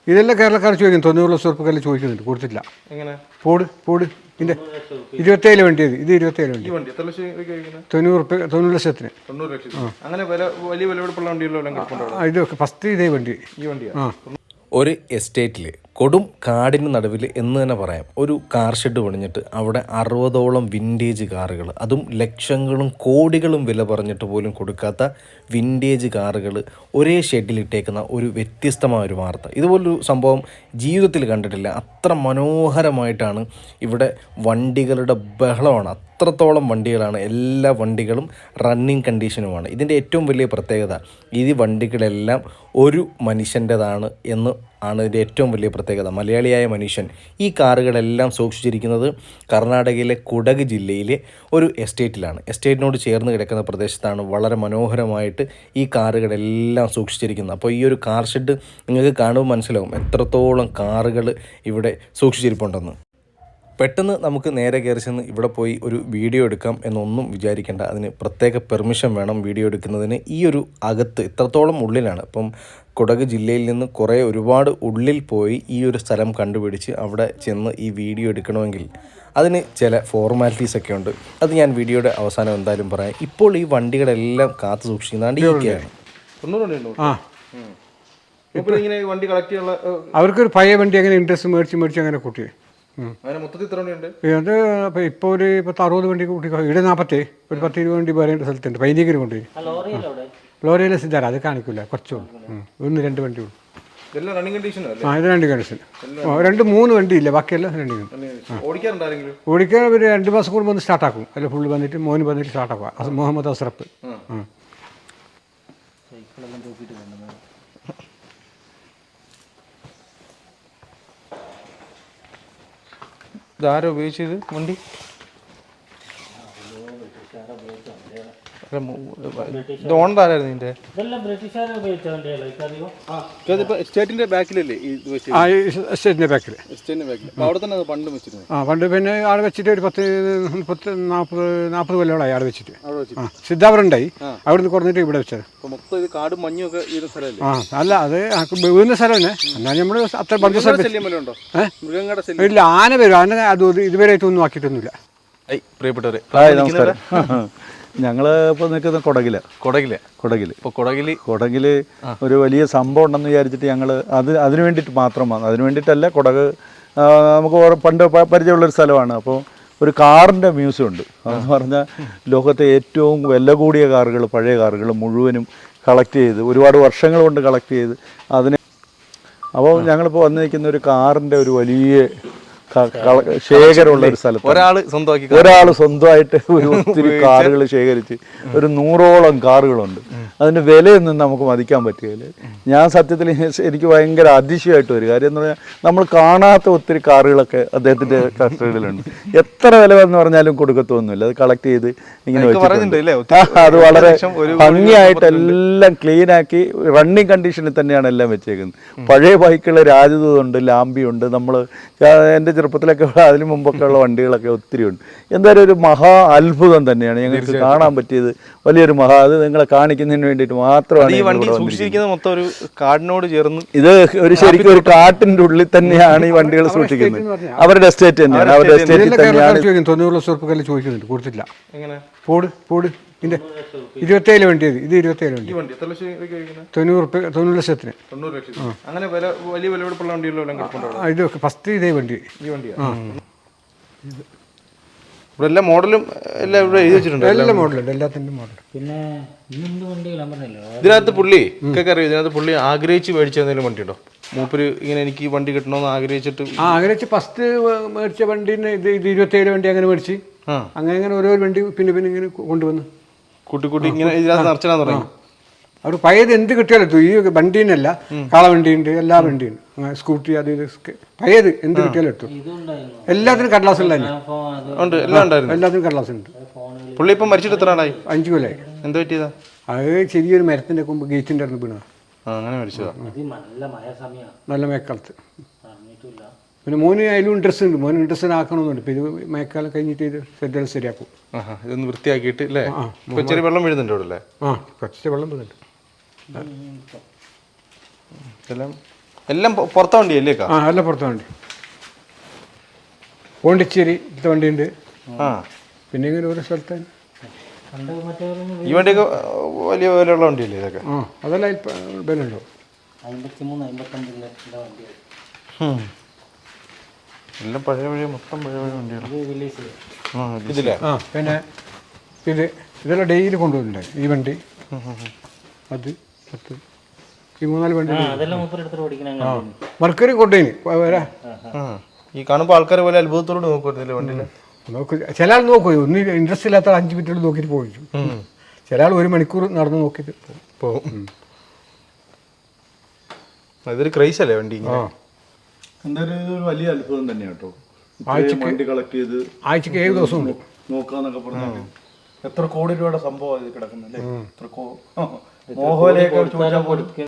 ഇതെല്ലാം കേരളക്കാർ ചോദിക്കും 90,00,000 ചോദിക്കുന്നുണ്ട്, കൊടുത്തിട്ടില്ല. എങ്ങനെ പോട് ഇതിൻ്റെ 27 വണ്ടിയത്, ഇത് 27 വണ്ടി. ഈ വണ്ടി എത്ര ലക്ഷം ചോദിക്കുന്നത്? 90 ലക്ഷത്തിന്. 90 ലക്ഷം. അങ്ങനെ വലിയ വിലപിടിപ്പുള്ള വണ്ടികളെല്ലാം കിടപ്പുണ്ടോ? ഇത് ഫസ്റ്റ് ഇതേ വണ്ടി. ഈ വണ്ടിയാണ്. ഒരു എസ്റ്റേറ്റിൽ കൊടും കാടിന് നടുവിൽ എന്ന് തന്നെ പറയാം ഒരു കാർ ഷെഡ് പണിഞ്ഞിട്ട് അവിടെ 60ഓളം വിൻറ്റേജ് കാറുകൾ, അതും ലക്ഷങ്ങളും കോടികളും വില പറഞ്ഞിട്ട് പോലും കൊടുക്കാത്ത വിൻറ്റേജ് കാറുകൾ ഒരേ ഷെഡിലിട്ടേക്കുന്ന ഒരു വ്യത്യസ്തമായ ഒരു വാർത്ത. ഇതുപോലൊരു സംഭവം ജീവിതത്തിൽ കണ്ടിട്ടില്ല. അത്ര മനോഹരമായിട്ടാണ് ഇവിടെ വണ്ടികളുടെ ബഹളമാണ്. അത്രത്തോളം വണ്ടികളാണ്, എല്ലാ വണ്ടികളും റണ്ണിങ് കണ്ടീഷനുമാണ്. ഇതിൻ്റെ ഏറ്റവും വലിയ പ്രത്യേകത ഈ വണ്ടികളെല്ലാം ഒരു മനുഷ്യൻ്റെതാണ് എന്ന് ആണ് ഇതിൻ്റെ ഏറ്റവും വലിയ പ്രത്യേകത. മലയാളിയായ മനുഷ്യൻ ഈ കാറുകളെല്ലാം സൂക്ഷിച്ചിരിക്കുന്നത് കർണാടകയിലെ കുടക് ജില്ലയിലെ ഒരു എസ്റ്റേറ്റിലാണ്. എസ്റ്റേറ്റിനോട് ചേർന്ന് കിടക്കുന്ന പ്രദേശത്താണ് വളരെ മനോഹരമായിട്ട് ഈ കാറുകളെല്ലാം സൂക്ഷിച്ചിരിക്കുന്നത്. അപ്പോൾ ഈ ഒരു കാർ ഷെഡ് നിങ്ങൾക്ക് കാണുമ്പോൾ മനസ്സിലാവും എത്രത്തോളം കാറുകൾ ഇവിടെ സൂക്ഷിച്ചിരിപ്പുണ്ടെന്ന്. പെട്ടെന്ന് നമുക്ക് നേരെ കയറി ചെന്ന് ഇവിടെ പോയി ഒരു വീഡിയോ എടുക്കാം എന്നൊന്നും വിചാരിക്കേണ്ട. അതിന് പ്രത്യേക പെർമിഷൻ വേണം വീഡിയോ എടുക്കുന്നതിന്. ഈ ഒരു അകത്ത് ഇത്രത്തോളം ഉള്ളിലാണ്. ഇപ്പം കുടക് ജില്ലയിൽ നിന്ന് ഒരുപാട് ഉള്ളിൽ പോയി ഈ ഒരു സ്ഥലം കണ്ടുപിടിച്ച് അവിടെ ചെന്ന് ഈ വീഡിയോ എടുക്കണമെങ്കിൽ അതിന് ചില ഫോർമാലിറ്റീസൊക്കെ ഉണ്ട്. അത് ഞാൻ വീഡിയോയുടെ അവസാനം എന്തായാലും പറയാം. ഇപ്പോൾ ഈ വണ്ടികളെല്ലാം കാത്തു സൂക്ഷിക്കുന്നതാണ് ഇതൊക്കെയാണ്. അവർക്കൊരു പഴയ വണ്ടി അങ്ങനെ ഇൻട്രസ്റ്റ് മേടിച്ച് അങ്ങനെ കൂട്ടി. അത് ഇപ്പോൾ ഒരു 60 വണ്ടി കൂട്ടി. ഇവിടെ 40 ഒരു 10-20 വണ്ടി വരേണ്ട സ്ഥലത്തുണ്ട്. 15 കൊണ്ടുപോയി. ലോറിയിലെ സിദ്ധാര അത് കാണിക്കില്ല, കുറച്ചുള്ളൂ. 1-2 വണ്ടി ഉള്ളൂ. ഇത് റണ്ണിങ് കണ്ടീഷൻ. 2-3 വണ്ടി ഇല്ല, ബാക്കിയെല്ലാം റണ്ണിങ്. ഓടിക്കാൻ ഒരു 2 മാസം കൂടുമ്പോൾ ഒന്ന് സ്റ്റാർട്ടാക്കും. അല്ല ഫുള്ള് വന്നിട്ട് മോന് വന്നിട്ട് സ്റ്റാർട്ടാക്കുക. മുഹമ്മദ് അസ്രഫ്. ഇതാരോ ഉപയോഗിച്ചത് വണ്ടി? ഓണറായിരുന്നു ഇതിന്റെ? എസ്റ്റേറ്റിന്റെ ബാക്കിലല്ലേ എസ്റ്റേറ്റിന്റെ ബാക്കിൽ. അവിടെ തന്നെ പണ്ട് വെച്ചിരുന്നു. പണ്ട് പിന്നെ ആടെ വെച്ചിട്ട് ഒരു 40 കൊല്ലങ്ങളായി ആടെ വെച്ചിട്ട്. സിദ്ധാപുരണ്ടായി, അവിടുന്ന് കുറഞ്ഞിട്ട് ഇവിടെ വെച്ചത്. മൊത്തം ഇത് കാടും മഞ്ഞും ഒക്കെ ഈ സ്ഥലമല്ലേ? അല്ല, അത് വീഴുന്ന സ്ഥലം തന്നെ. എന്നാൽ നമ്മൾ അത്ര മൃഗങ്ങളുടെ ഇല്ല, ആന വരും. ആന അത് ഇതുവരെയായിട്ടൊന്നും ആക്കിയിട്ടൊന്നുമില്ല. പ്രിയപ്പെട്ടവരെ നമസ്കാരം. ഞങ്ങൾ ഇപ്പോൾ നിൽക്കുന്ന കുടകിൽ ഒരു വലിയ സംഭവം ഉണ്ടെന്ന് വിചാരിച്ചിട്ട് ഞങ്ങൾ അതിന് വേണ്ടിയിട്ട് മാത്രം വന്നു. അതിന് വേണ്ടിയിട്ടല്ല, കുടക് നമുക്ക് പണ്ട് പരിചയമുള്ളൊരു സ്ഥലമാണ്. അപ്പോൾ ഒരു കാറിൻ്റെ മ്യൂസിയം ഉണ്ട്. അതെന്ന് പറഞ്ഞാൽ ലോകത്തെ ഏറ്റവും വില കൂടിയ കാറുകൾ, പഴയ കാറുകൾ മുഴുവനും കളക്ട് ചെയ്ത് ഒരുപാട് വർഷങ്ങൾ കൊണ്ട് കളക്ട് ചെയ്ത് അതിനെ. അപ്പോൾ ഞങ്ങളിപ്പോൾ വന്ന് നിൽക്കുന്ന ഒരു കാറിൻ്റെ ഒരു വലിയ ശേഖരമുള്ള ഒരു സ്ഥലത്ത് ഒരാൾ സ്വന്തമായിട്ട് ഒരു ഒത്തിരി കാറുകൾ ശേഖരിച്ച് ഒരു 100ഓളം കാറുകളുണ്ട്. അതിൻ്റെ വിലയൊന്നും നമുക്ക് മതിക്കാൻ പറ്റുകയില്ല. ഞാൻ സത്യത്തിൽ എനിക്ക് ഭയങ്കര അതിശയമായിട്ട് ഒരു കാര്യം എന്ന് പറഞ്ഞാൽ നമ്മൾ കാണാത്ത ഒത്തിരി കാറുകളൊക്കെ അദ്ദേഹത്തിൻ്റെ കസ്റ്റഡിയിലുണ്ട്. എത്ര വില എന്ന് പറഞ്ഞാലും കൊടുക്കത്തൊന്നുമില്ല. അത് കളക്ട് ചെയ്ത് ഇങ്ങനെ വെച്ചിട്ടുണ്ട്. അത് വളരെ ഭംഗിയായിട്ട് എല്ലാം ക്ലീനാക്കി റണ്ണിങ് കണ്ടീഷനിൽ തന്നെയാണ് എല്ലാം വെച്ചേക്കുന്നത്. പഴയ ബൈക്കുകൾ രാജദൂതുണ്ട്, ലാംബിയുണ്ട്. നമ്മൾ എൻ്റെ ചെറുപ്പത്തിലൊക്കെ അതിന് മുമ്പൊക്കെ ഉള്ള വണ്ടികളൊക്കെ ഒത്തിരി ഉണ്ട്. എന്തായാലും ഒരു മഹാ അത്ഭുതം തന്നെയാണ് ഞങ്ങൾക്ക് കാണാൻ പറ്റിയത്. വലിയൊരു അത് നിങ്ങളെ കാണിക്കുന്നതിന് വേണ്ടിയിട്ട് മാത്രമാണ് ഈ വണ്ടി സൂക്ഷിച്ചിരിക്കുന്നത്. മൊത്തം ഒരു കാടിനോട് ചേർന്ന് ഇത് ഒരു ശരിക്കും ഒരു കാട്ടിൻ്റെ ഉള്ളിൽ തന്നെയാണ് ഈ വണ്ടികൾ സൂക്ഷിക്കുന്നത്. അവരുടെ എസ്റ്റേറ്റ് തന്നെയാണ്. അവരുടെ എസ്റ്റേറ്റിൽ തന്നെയാണ്. 90,00,000 ചോദിക്കുന്നുണ്ട്, കൊടുത്തില്ല. പോട് ഇതിന്റെ 27 വണ്ടിയത്, ഇത് 27 വണ്ടി. 90 ലക്ഷത്തിന്. അങ്ങനെ വലിയ വിലപിടിപ്പുള്ള വണ്ടികളെല്ലാം കിടപ്പുണ്ടോ? ഇത് ഫസ്റ്റ് ഇതേ വണ്ടി. ഈ വണ്ടിയാണ്. ഇവിടെ എല്ലാ മോഡലും എല്ലാം ഇവിടെ എഴുതി വെച്ചിട്ടുണ്ട്. എല്ലാ മോഡലുണ്ട്, എല്ലാത്തിൻ്റെ മോഡൽ. പിന്നെ ഇതിനകത്ത് പുള്ളി അറിയാം, ഇതിനകത്ത് പുള്ളി ആഗ്രഹിച്ച് മേടിച്ച എന്തെങ്കിലും വണ്ടി ഉണ്ടോ? മൂപ്പര് ഇങ്ങനെ എനിക്ക് ഈ വണ്ടി കിട്ടണമെന്ന് ആഗ്രഹിച്ചിട്ട് ആഗ്രഹിച്ച് ഫസ്റ്റ് മേടിച്ച വണ്ടീനെ ഇത് 27 വണ്ടി അങ്ങനെ മേടിച്ച് അങ്ങനെ ഓരോ വണ്ടി പിന്നെ ഇങ്ങനെ കൊണ്ടുവന്ന് കൂട്ടി ഇങ്ങനെ ഇതിനകത്ത് നിറച്ചാന്ന് പറയും. അവർ പഴയത് എന്ത് കിട്ടിയാലും ഈ വണ്ടീനല്ല, കാളവണ്ടിയുണ്ട്, എല്ലാ വണ്ടിയുണ്ട്, സ്കൂട്ടി, അത് ഇത് പഴയത് എന്ത് കിട്ടിയാലും എടുത്തു. എല്ലാത്തിനും കടലാസ് ഉള്ള എല്ലാത്തിനും കടലാസ് ഉണ്ട്. പുള്ളി ഇപ്പം മരിച്ചിട്ട് എത്ര നാളായി? 5 കൊല്ലമായി. എന്താ പറ്റിയതാ? അത് ചെറിയൊരു മരത്തിന്റെ കൊമ്പ് ഗേറ്റിന്റെ അടുത്ത് വീണതാ. അങ്ങനെ മരിച്ചതാ. നല്ല മഴക്കാലത്ത്. പിന്നെ മോന് അതിലും ഇൻട്രസ്റ്റ് ഉണ്ട്. മോന് ഇൻട്രസ്റ്റ് ആക്കണമെന്നുണ്ട്. ഇപ്പം ഇത് മഴക്കാലം കഴിഞ്ഞിട്ട് ഇത് ശ്രദ്ധ ശരിയാക്കും. ഇതൊന്ന് വൃത്തിയാക്കിയിട്ട് അല്ലേ? ചെറിയ വെള്ളം വീഴുന്നുണ്ട് അവിടെ അല്ലേ? കുറച്ച് വെള്ളം വീഴുന്നുണ്ട്. എല്ലാം എല്ലാം പുറത്തെ വണ്ടിയല്ലേ ആ എല്ലാം പുറത്തെ വണ്ടി. പോണ്ടിച്ചേരി ഇത്തെ വണ്ടിയുണ്ട്. ആ പിന്നെ ഇങ്ങനെ ഓരോ സ്ഥലത്താണ്. ഈ വണ്ടിയൊക്കെ വലിയ വിലയുള്ള വണ്ടിയല്ലേ ഇതൊക്കെ? ആ അതെല്ലാം വിലയുണ്ടോ? 53-55 എല്ലാം പഴയ മൊത്തം പഴയ വണ്ടിയാണ്. ഇതില്ലേ? ആ പിന്നെ ഇതെല്ലാം ഡെയിലി കൊണ്ടുപോകുന്നുണ്ട്. ഈ വണ്ടി അത് 10 ഈ 3-4 വണ്ടി. ആ മർക്കറി കൊണ്ടുപോയിന് വരാ. ഈ കാണുമ്പോൾ ആൾക്കാർ പോലെ അത്ഭുതത്തോട് നോക്കുന്നില്ല വണ്ടിയിൽ. നോക്ക് ചില ആൾ നോക്കുമോ, ഒന്നും ഇൻട്രസ്റ്റ് ഇല്ലാത്ത 5 മിനിറ്റ് നോക്കിയിട്ട് പോയി. ചില ആൾ 1 മണിക്കൂർ നടന്ന് നോക്കിയിട്ട് പോകും. ഇതൊരു ക്രൈസ് അല്ലേ വണ്ടി? എന്തായാലും ഇതൊരു വലിയ അത്ഭുതം തന്നെയാണ് കേട്ടോ. വണ്ടി കളക്ട് ചെയ്ത് ആഴ്ചക്ക് 7 ദിവസം ഉണ്ട് നോക്കാന്നൊക്കെ പറഞ്ഞാൽ എത്ര കോടി രൂപയുടെ സംഭവം ഇത് കിടക്കുന്നല്ലേ. എത്ര മോഹോലയൊക്കെ ചോദിച്ചാൽ പോലും